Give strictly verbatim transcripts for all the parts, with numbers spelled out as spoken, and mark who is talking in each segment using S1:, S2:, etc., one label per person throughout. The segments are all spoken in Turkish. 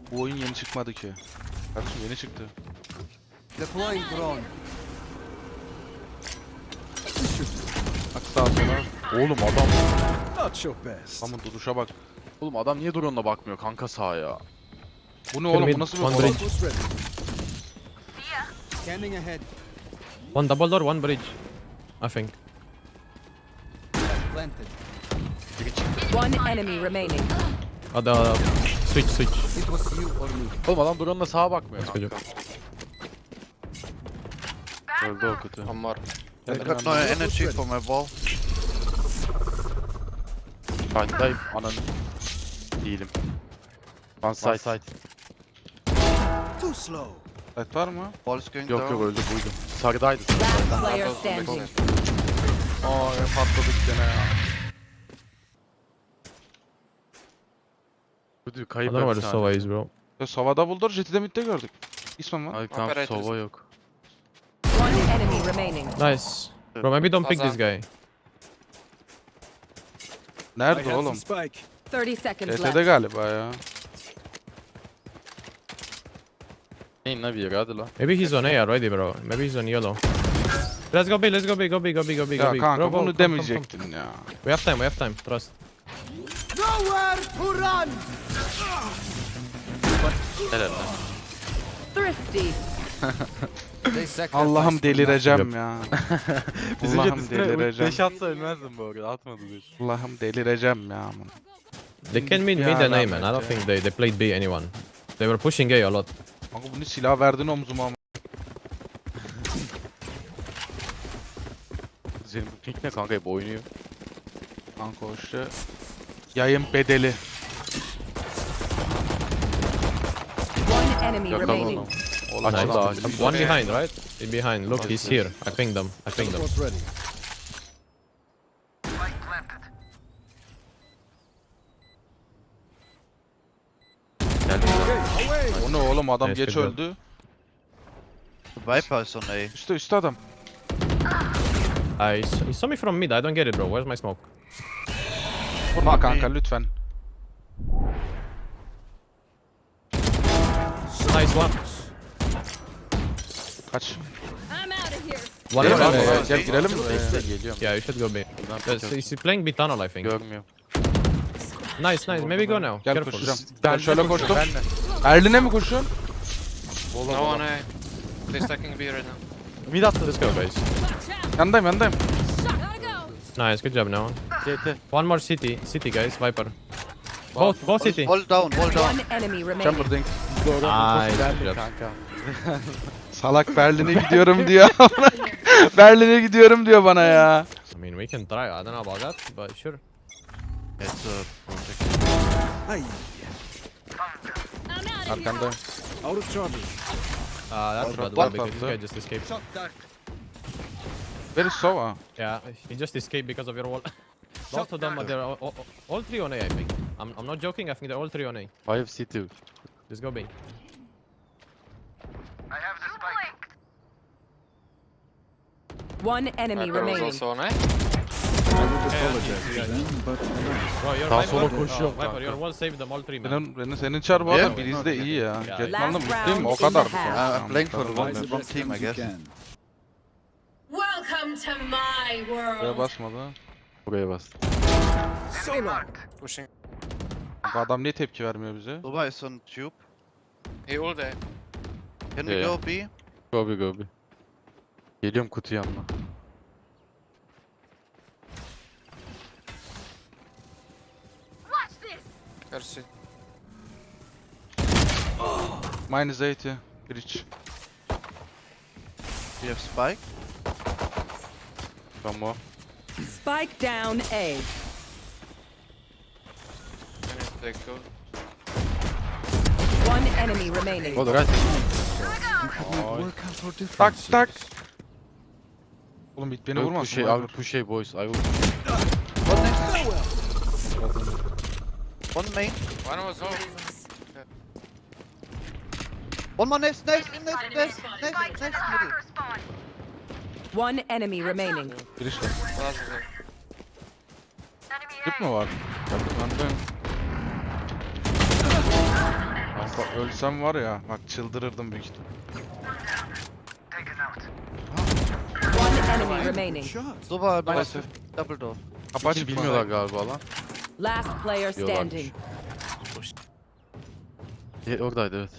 S1: Bu oyun yeni çıkmadı ki. Kardeşim yeni çıktı.
S2: Deploying drone.
S1: Bak sağa sola.
S3: Oğlum adam.
S2: Not your best.
S1: Tamam duruşa bak.
S3: Oğlum adam niye drone'la bakmıyor kanka sağa ya?
S1: Bu ne oğlum bu nasıl bir
S4: One
S1: olay?
S4: bridge.
S2: Almost ready. Scanning ahead.
S4: One double door, one bridge. I think.
S2: Planted.
S5: One enemy remaining.
S4: Uh, the switch, switch.
S2: It was you or me.
S3: Oğlum adam drone'la sağa bakmıyor
S4: Let's go.
S3: kanka. Öldü o kötü.
S6: One more.
S1: Gel,
S7: I
S1: gel,
S7: got no
S1: gel.
S7: energy for my wall.
S3: Side'dayım ananı. Değilim. One side. side.
S2: Too slow.
S1: Evet var mı?
S7: Wall is going
S3: Yok
S7: down.
S3: yok öldü buydu. Sarıdaydı.
S5: Last player standing.
S1: Aa ya patladık gene ya.
S3: Buydu
S4: I
S3: kayıp.
S4: don't know where the
S3: hepsi
S4: Sova
S3: hala.
S4: is, bro.
S1: Ya Sova'da buldur, Jet'i midde gördük. İsmen var.
S3: Ay kanka
S6: Operators.
S3: sova yok.
S5: One enemy remaining.
S4: Nice. Bro, maybe don't pick this guy.
S1: Nerede
S2: I have
S1: oğlum?
S2: the spike.
S5: thirty seconds
S1: Jet'e
S5: left.
S1: galiba ya.
S3: Neyin la bir yere hadi la.
S4: Maybe he's on A already, bro. Maybe he's on yellow. Let's go B, let's go B, go B, go B, go B, go
S1: Ya
S4: B.
S1: kanka
S4: Bro, go,
S1: bunu
S4: come, come, come.
S1: demeyecektin ya.
S4: We have time, we have time. Trust.
S2: Nowhere to run.
S3: Helal lan.
S5: Thrifty.
S2: They sacrificed
S1: Allah'ım
S2: for
S1: delireceğim ya.
S3: Bizim
S1: Allah'ım
S3: jet üstüne
S1: delireceğim.
S3: beş atsa ölmezdim bu arada. Atmadı beş.
S1: Allah'ım delireceğim ya.
S4: They can mean
S1: Ya
S4: mid and A,
S1: rahmet
S4: man. I don't
S1: ya.
S4: think they, they played B, anyone. They were pushing A a lot.
S1: Kanka bunu silah verdin omzuma ama.
S3: Senin bu pink ne kanka hep oynuyor.
S1: Kanka o işte. Yayın bedeli.
S5: One enemy
S3: Yakala
S5: remaining.
S3: onu.
S1: Oğlum
S3: Açıldı
S1: adam-
S3: açıldı.
S4: One behind, right? He behind. Look, he's here. I pinged them. I pinged them.
S2: Teleport ready.
S3: Geldi.
S2: Okay, away.
S1: O ne oğlum adam
S4: Nice,
S1: geç
S4: good job.
S1: öldü.
S7: Viper is on A.
S1: Üste üste adam.
S4: I, s- he saw me from mid. I don't get it, bro. Where's my smoke?
S1: Vurma kanka lütfen.
S4: Nice one.
S1: Kaç.
S5: I'm out of here.
S4: One
S1: Girelim
S4: more.
S1: mi?
S4: Yeah,
S1: Gel girelim mi?
S3: Geliyorum.
S4: yeah, you should go B. Uh, Is he playing B tunnel, I think?
S3: Görmüyor.
S4: Nice, nice. Maybe go now.
S1: Gel
S4: Careful.
S1: koşacağım. Ben
S3: Ben
S1: şöyle
S3: de
S1: koştum.
S3: Ben de.
S1: Erlin'e mi koşuyorsun?
S6: No one A. They're stacking B right now.
S3: Mid attı.
S4: Let's go, guys.
S1: Yandayım yandayım.
S4: Nice, good job now.
S3: C T.
S4: One more city. City, guys. Viper. Both, both city.
S7: Wall down, wall down.
S5: One enemy remaining.
S1: Chamberlain.
S4: Nice, good
S3: Geldi
S4: job.
S3: kanka.
S1: Salak Berlin'e gidiyorum diyor. Berlin'e gidiyorum diyor bana ya.
S4: I mean, we can try. I don't know about that, but sure.
S3: It's a project.
S2: Aye.
S1: Arkandayım.
S2: Out of charges.
S4: Uh, that's
S1: What-
S4: bad,
S1: what
S4: because this
S1: the-
S4: guy just escaped.
S2: Shot dark.
S1: Where is Sova?
S4: Yeah, he just escaped because of your wall. Both of them, are they're all, all, all three on A, I think. I'm, I'm not joking. I think they're all three on A.
S3: Five city.
S4: Let's go B.
S5: One enemy
S6: Viper was
S5: remaining.
S6: also on A.
S2: I would apologize to them, but alas.
S4: Bro, your
S3: Daha
S4: Viper,
S3: sola
S4: uh,
S3: koşuyor
S4: Viper,
S3: kanka.
S4: your wall saved them all three, man.
S1: Benim, benim senin çar bu
S7: Yeah.
S1: arada Biriz de iyi ya.
S4: Yeah.
S1: Getman'la
S5: Last
S1: mutluyum o
S5: round
S1: kadar.
S5: in the half.
S7: Uh, I'm playing for the wrong,
S2: Rise the
S7: wrong
S2: best
S7: team, I
S2: times you
S7: guess.
S2: can.
S8: Welcome to my
S1: Buraya
S8: world.
S1: basmadı.
S3: Buraya bastı.
S2: So long.
S6: Pushing.
S1: Kanka adam niye tepki vermiyor bize?
S7: Sova is on tube.
S6: He all day.
S7: Can we
S3: Yeah.
S7: go B?
S3: Go be go be. Geliyorum kutu yanına.
S6: Mercy.
S1: Minus eighty. Bridge.
S7: We have spike.
S3: Tamam.
S5: Spike down A.
S6: I need to take two.
S5: One enemy remaining.
S3: O da right.
S2: Work out our
S1: Tak
S2: differences.
S1: tak. Oğlum bit beni
S3: Yok,
S1: vurmasın.
S3: push A, I
S1: Viper.
S3: will push A boys. I will
S7: One next. One main.
S6: One was off.
S7: One more next, next, next, next, next, next, middle.
S5: One enemy remaining.
S1: Bridge var.
S6: Last one.
S1: Tüp mü var? Arkandayım. Bak ölsem var ya, bak çıldırırdım büyük ihtimal.
S5: One enemy remaining.
S2: Shot.
S7: Super, nice.
S3: Maalesef.
S7: Double door.
S1: Kapı açık
S3: Hiç
S1: mı?
S3: bilmiyorlar galiba lan.
S5: Last player
S3: Diyorlarmış.
S5: standing.
S3: E, oradaydı evet.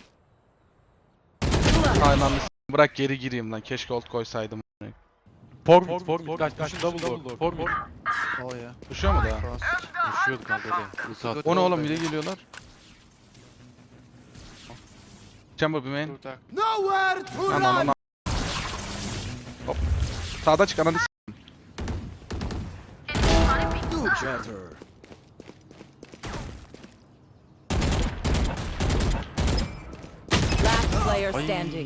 S1: Aynen. Bırak geri gireyim lan. Keşke ult koysaydım.
S3: For mid, for mid, kaç kaç double door, for mid.
S7: Oh yeah.
S1: Düşüyor mu daha?
S7: Fast.
S3: Düşüyordu kanka de. Ulti attı.
S1: O ne oğlum, bile geliyorlar. Chamber bir main.
S6: Two attack.
S2: Nowhere to
S1: Lan lan lan. Hop. Sağda çık ananı s-
S2: do better.
S5: Last player
S3: Ay.
S5: standing.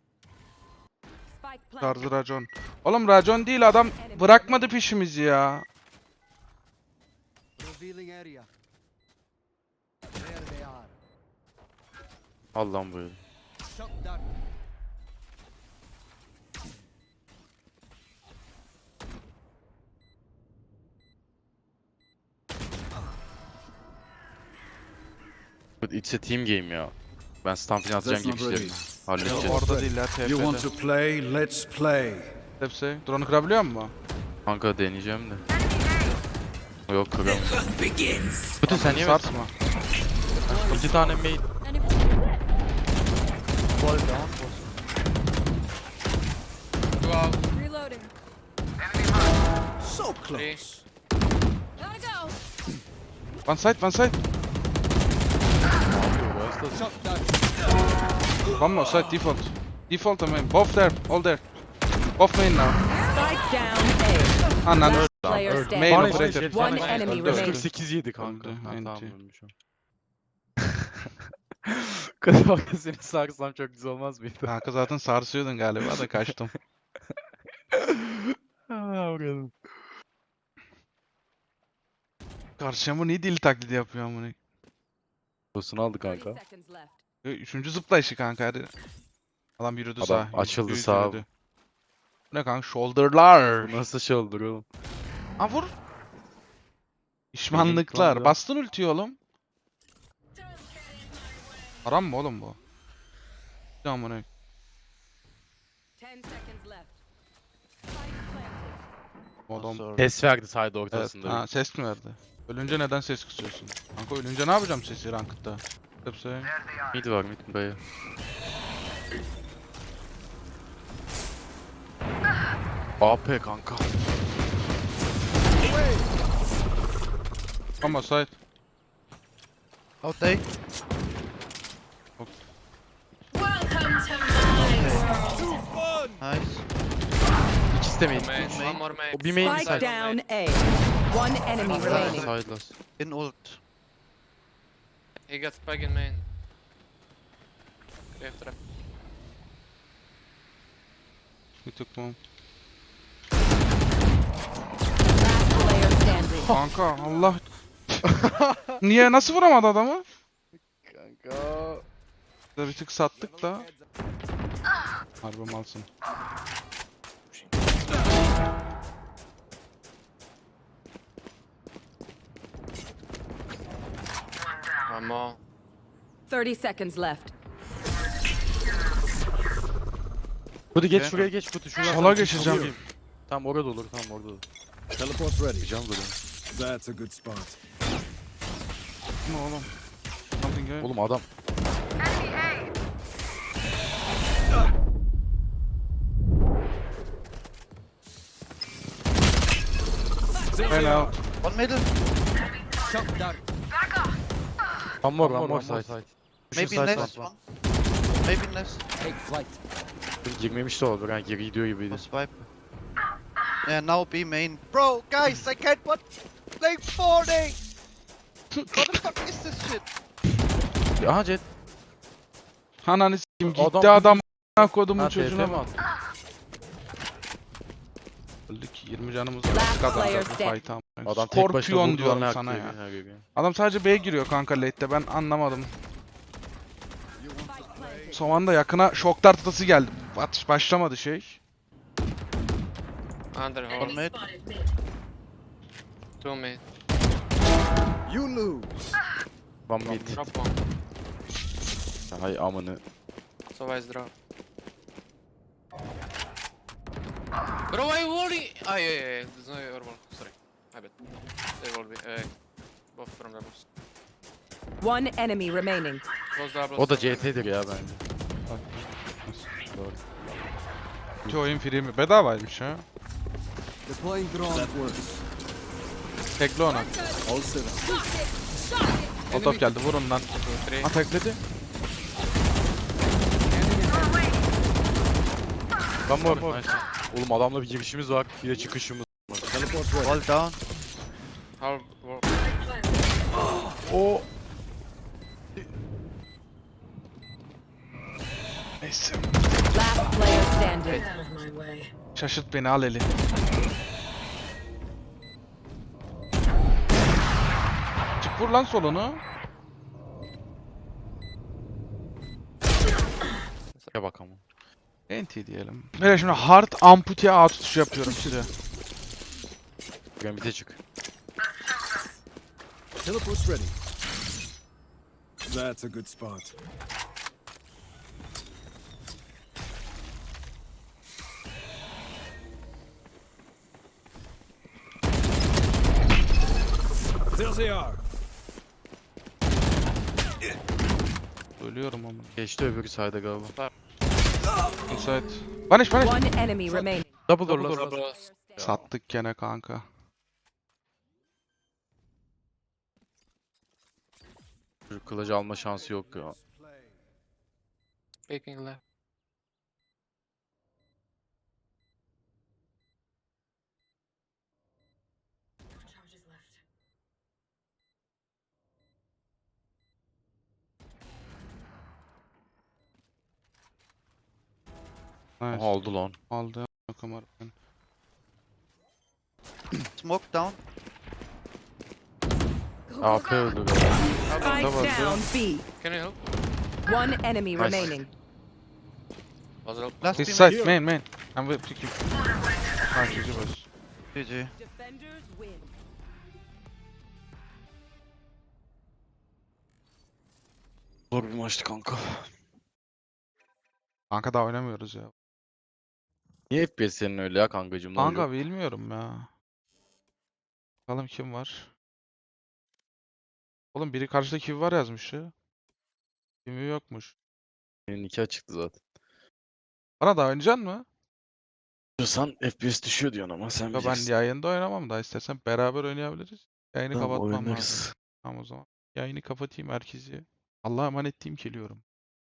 S5: Spike planted.
S1: Tarzı racon. Oğlum racon değil, adam bırakmadı peşimizi ya.
S2: Revealing area. There they are.
S3: Allah'ım böyle.
S2: Shot down.
S3: It's a team game ya. Ben Stampin atacağım
S2: That's
S3: gibi
S2: not
S3: işlerim.
S2: ready.
S3: Halledeceğiz.
S1: Orada değil ya,
S2: You want
S1: T F'de.
S2: to play? Let's play.
S1: Hepsi. Drone'u kırabiliyor mu?
S3: Kanka deneyeceğim de. Yok kıramam. Kutu sen niye mi?
S1: Sarsma.
S3: İki tane main.
S7: Fall down.
S6: Two out.
S5: Reloading.
S2: So
S6: Three.
S2: close.
S5: Gotta go.
S1: One side, one side.
S2: Shot down.
S1: One more side, default. Default I mean. Both there, all there. Both main now.
S5: Spike down A.
S1: Ananı
S5: Last
S1: öldü.
S5: player
S1: Main
S5: standing.
S1: operator.
S5: One enemy
S1: Öldü,
S5: remaining.
S1: öldü.
S3: kırk sekiz yedi kanka.
S1: Öldü,
S3: Ha,
S1: enti.
S3: tamam ölmüş o. Kız bak seni sarsam çok güzel olmaz mıydı?
S1: Kanka zaten sarsıyordun galiba da kaçtım.
S3: Aa, vuralım.
S1: Karşıma niye deli taklidi yapıyor amına?
S3: Tosunu aldı
S5: thirty
S3: kanka.
S5: seconds left.
S1: E, Üçüncü zıplayışı kanka hadi. Adam yürüdü
S3: Adam
S1: sağa.
S3: açıldı
S1: yüz
S3: sağa.
S1: yürüdü. Bu ne kanka? Shoulderlar.
S3: Bu nasıl şey olur oğlum?
S1: Ha vur. Pişmanlıklar.
S3: lan.
S1: Bastın ultiyi oğlum. Haram mı oğlum bu? Ya amına.
S5: Ten seconds left. Spike planted.
S1: Oğlum.
S3: Ses verdi side
S1: Evet.
S3: ortasında.
S1: Ha, ses mi verdi? Ölünce neden ses kısıyorsun? Kanka ölünce ne yapacağım sesi ranked'da? Hepsi.
S3: Mid var mid dayı. A P kanka.
S1: Ama side.
S7: Out there. Nice.
S3: İkisi de main.
S6: Main. One more main.
S3: O bir main bir
S5: Spike
S3: side.
S5: down A. One enemy
S7: Side.
S5: remaining.
S3: Side last.
S7: In ult.
S6: He got spike in main. Okay, after
S1: Bir tık mı?
S5: Last player standing.
S1: Kanka Allah. Niye, nasıl vuramadı adamı?
S3: Kanka.
S1: Da bir tık sattık da. Harbi malsın.
S6: one more.
S5: Thirty seconds left.
S3: Kutu geç
S7: Okay.
S3: şuraya geç kutu şuraya.
S1: Sola geçeceğim.
S3: Tamam orada olur tamam orada olur.
S2: Teleport's ready.
S3: Can böyle.
S2: That's a good spot.
S1: Ne oğlum? Something good.
S3: Oğlum adam.
S1: Ben out.
S7: One middle.
S2: Shot down.
S3: One more one more side.
S7: Maybe
S3: side
S7: next
S3: var.
S7: one. Maybe next.
S2: Take flight.
S3: Girmemiş de olur ha geri gidiyor gibiydi.
S7: Was wipe. Yeah, now B main. Bro, guys, I can't what? Like forty! What the fuck is this shit?
S3: Aha Jet.
S1: Ananı s**eyim gitti
S3: Adam-
S1: adam a**ına kodumun
S3: Ha T F
S1: çocuğuna
S3: mi
S1: bak.
S3: attı?
S1: Öldük yirmi canımız var.
S5: Last
S1: Kazanacağız
S5: player
S1: bu
S5: stand.
S1: fight'ı ama.
S3: Adam tek başına
S1: Scorpion
S3: vurdu
S1: diyorum
S3: lan
S1: sana
S3: her
S1: ya.
S3: her yere.
S1: Adam sadece B'ye giriyor kanka late'de, ben anlamadım.
S2: You want to play?
S1: Son anda yakına şok dartası geldi. Atış başlamadı şey.
S6: Under
S7: One
S6: hold.
S7: mid.
S6: Two mid.
S2: You lose.
S3: One mid.
S6: Drop one.
S3: Hay amını.
S6: So wise drop. Bro, why walling? Ah, yeah, yeah, yeah. There's no air wall. Sorry. My bad. They will be. Uh, both from the boss.
S5: One enemy remaining.
S6: Close double.
S3: O da C T'dir ya bence. Doğru.
S1: İki oyun free mi? Bedavaymış ha.
S2: Deploying drone. That works.
S1: Tekli ona.
S2: All set up.
S1: Otop geldi vurun lan.
S6: Three.
S1: Ha tekledi.
S3: Ben mi var? Oğlum adamla bir girişimiz var. Bir de çıkışımız var.
S2: Teleport ready.
S7: Wall down.
S6: How? Wall.
S1: O. Neyse.
S5: Last player standing.
S1: Şaşırt beni al eli. Çık vur lan solunu.
S3: Ya bak ama.
S1: N T diyelim. Böyle şimdi hard ampute A tutuşu yapıyorum size.
S3: Gambit'e çık.
S2: Teleport's ready. That's a good spot. There they are.
S1: Ölüyorum ama.
S3: Geçti öbürü sayda galiba.
S1: Müsait. Vanish vanish.
S5: One enemy remaining.
S3: Double door
S6: Double
S3: last.
S6: door.
S1: Sattık gene kanka.
S3: Çocuk kılıcı alma şansı yok ya.
S6: Peeking left.
S1: Nice.
S3: Aha aldı lan.
S1: Aldı. Kamera.
S7: Smoke down.
S3: A P öldü galiba.
S5: Spike down B.
S6: Can you help?
S5: One enemy
S3: Nice.
S5: remaining.
S6: Was it?
S7: Last
S1: This
S7: team.
S1: side main main. I'm with pick you. Ha G G boys.
S7: G G.
S5: Defenders win.
S3: Zor bir maçtı kanka.
S1: Kanka daha oynamıyoruz ya.
S3: Niye F P S senin öyle ya kankacım? Ne
S1: Kanka
S3: oluyor?
S1: bilmiyorum ya. Bakalım kim var. Oğlum biri karşıda kim var yazmış ya. Kimi yokmuş.
S3: Benim nikah çıktı zaten.
S1: Bana da oynayacaksın mı?
S3: Diyorsan F P S düşüyor diyorsun ama sen
S1: Ya ben
S3: bilirsin.
S1: yayında oynamam da istersen beraber oynayabiliriz. Yayını
S3: Tamam,
S1: kapatmam lazım.
S3: oynarız.
S1: Tamam o zaman. Yayını kapatayım herkesi. Allah'a emanet diyeyim geliyorum.